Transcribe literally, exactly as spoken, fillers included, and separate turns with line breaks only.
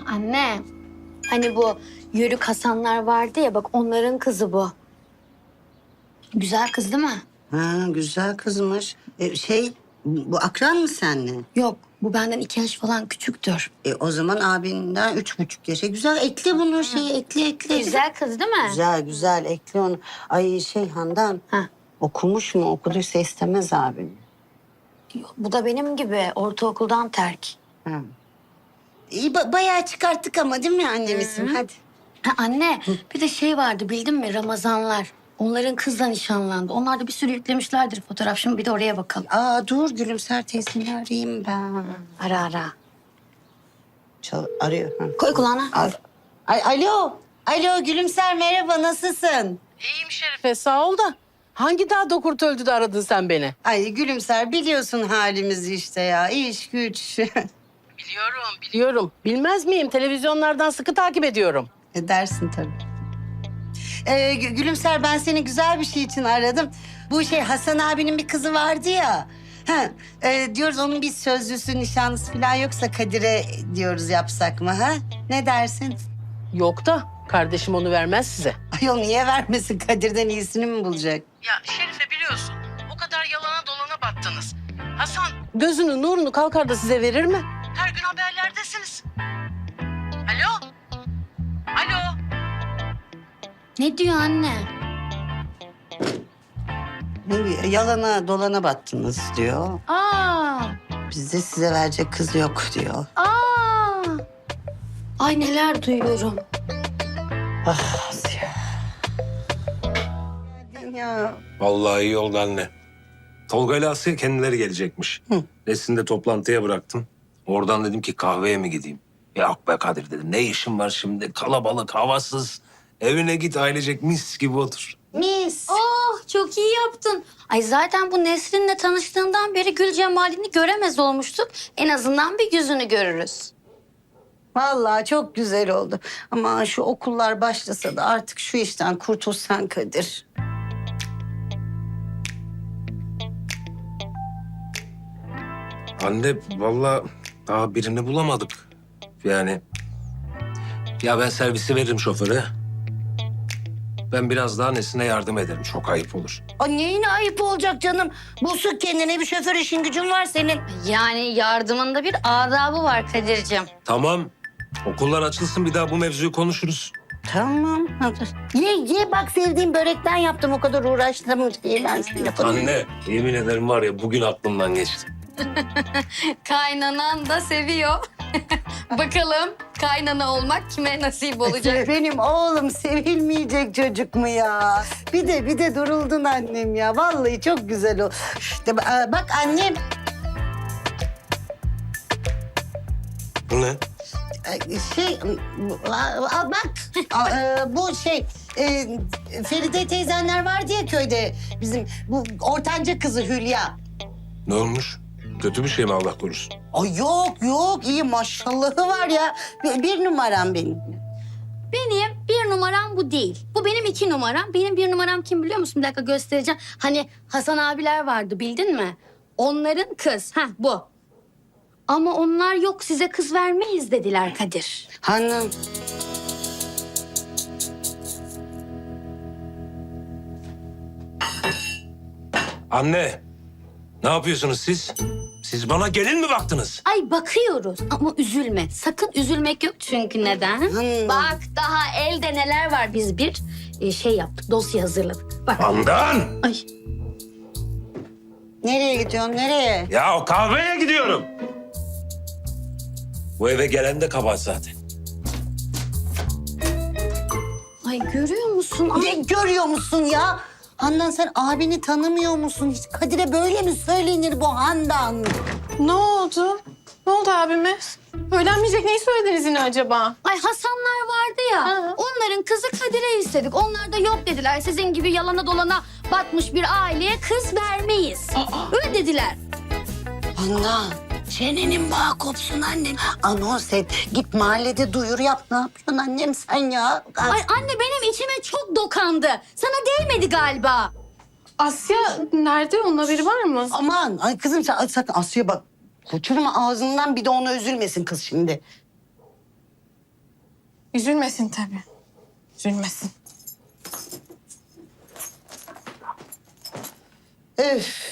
Anne, hani bu Yörük Hasanlar vardı ya, bak onların kızı bu. Güzel kız değil mi?
Ha, güzel kızmış. E, şey, bu akran mı seninle?
Yok, bu benden iki yaş falan küçüktür.
E, o zaman abinden üç buçuk yaşa. Güzel, ekle bunu şey, ekle ekle.
Güzel kız değil mi?
Güzel, güzel, ekle onu. Ay şey Handan,
Ha.
okumuş mu? Okuduysa istemez abini.
Bu da benim gibi ortaokuldan terk.
Ha. İyi, ba- bayağı çıkarttık ama değil mi annemizin? Hadi.
Ha, anne, bir de şey vardı bildin mi? Ramazanlar. Onların kızla nişanlandı. Onlar da bir sürü yüklemişlerdir fotoğraf. Şimdi bir de oraya bakalım.
Aa dur Gülümser teyzeni arayayım ben.
Ara ara.
Çal arıyor. Ha.
Koy kulağına.
Al. Ay, alo. Alo Gülümser merhaba nasılsın?
İyiyim Şerife sağ ol da. Hangi dağ dokurt öldü de aradın sen beni?
Ay Gülümser biliyorsun halimizi işte ya. İş güç.
Biliyorum, biliyorum. Bilmez miyim? Televizyonlardan sıkı takip ediyorum.
Edersin tabii. Ee, Gü- Gülümser ben seni güzel bir şey için aradım. Bu şey Hasan abinin bir kızı vardı ya. Ha, e, diyoruz onun bir sözlüsü, nişanlısı falan yoksa Kadir'e diyoruz yapsak mı ha? Ne dersin?
Yok da kardeşim onu vermez size.
Ayol niye vermesin? Kadir'den iyisini mi bulacak?
Ya Şerife biliyorsun. O kadar yalana dolana battınız. Hasan gözünü nurunu kalkar da size verir mi? Her gün haberlerdesiniz. Alo? Alo?
Ne diyor anne?
Ne, yalana dolana battınız diyor.
Aa,
Bizde size verecek kız yok diyor.
aa. Ay neler duyuyorum.
Ah Asiye. Ya.
Vallahi iyi oldu anne. Tolga ile Asya kendileri gelecekmiş.
Hı.
Nesin'i de toplantıya bıraktım. Oradan dedim ki kahveye mi gideyim? Yok be Kadir dedim. Ne işim var şimdi? Kalabalık, havasız. Evine git ailecek mis gibi otur.
Mis.
Oh, çok iyi yaptın. Ay zaten bu Nesrin'le tanıştığından beri gül cemalini göremez olmuştuk. En azından bir yüzünü görürüz.
Vallahi çok güzel oldu. Ama şu okullar başlasa da artık şu işten kurtulsan Kadir.
Anne vallahi daha birini bulamadık. Yani ya ben servisi veririm şoföre. Ben biraz daha Nesin'e yardım ederim. Çok ayıp olur.
Ay neyine ayıp olacak canım? Bulsun kendine bir şoför işin gücün var senin.
Yani yardımında bir adabı var Kadir'cim.
Tamam. Okullar açılsın bir daha bu mevzuyu konuşuruz.
Tamam. Hadi. Ye ye bak sevdiğim börekten yaptım o kadar uğraştım. Ye ben seni yaparım.
Anne yemin ederim var ya bugün aklımdan geçti.
Kaynanan da seviyor. Bakalım kaynana olmak kime nasip olacak?
Benim oğlum sevilmeyecek çocuk mu ya? Bir de bir de duruldun annem ya. Vallahi çok güzel o. İşte ba- bak annem.
Bu ne?
Şey, a- a- bak a- e, bu şey e, Feride teyzenler vardı ya köyde bizim bu ortanca kızı Hülya.
Ne olmuş? Kötü bir şey mi Allah korusun?
Ay yok yok iyi maşallahı var ya bir, bir numaram benim.
Benim bir numaram bu değil. Bu benim iki numaram. Benim bir numaram kim biliyor musun? Bir dakika göstereceğim. Hani Hasan abiler vardı bildin mi? Onların kız. Ha bu. Ama onlar yok size kız vermeyiz dediler Kadir.
Hanım.
Anne, ne yapıyorsunuz siz? Siz bana gelin mi baktınız?
Ay bakıyoruz ama üzülme. Sakın üzülmek yok çünkü neden?
Hmm.
Bak daha elde neler var. Biz bir e, şey yaptık, dosya hazırladık. Bak.
Handan!
Ay.
Nereye gidiyorsun nereye?
Ya o kahveye gidiyorum. Bu eve gelen de kabahat zaten.
Ay görüyor musun?
Ne
Ay.
görüyor musun ya? Handan sen abini tanımıyor musun? Hiç Kadir'e böyle mi söylenir bu Handan?
Ne oldu? Ne oldu abime? Öğlenmeyecek neyi söylediniz yine acaba?
Ay Hasanlar vardı ya.
Ha.
Onların kızı Kadir'e istedik. Onlar da yok dediler. Sizin gibi yalana dolana batmış bir aileye kız vermeyiz. Öyle dediler.
Handan çenenin bağı kopsun annem. Anons et. Git mahallede duyuru yap. Ne yapıyorsun annem sen ya?
Ay anne benim içime çok dokandı. Sana değmedi galiba.
Asya nerede? Onun haberi var mı?
Aman ay kızım sen sakın Asya bak. Uçurma ağzından bir de ona üzülmesin kız şimdi.
Üzülmesin tabii. Üzülmesin.
Öf.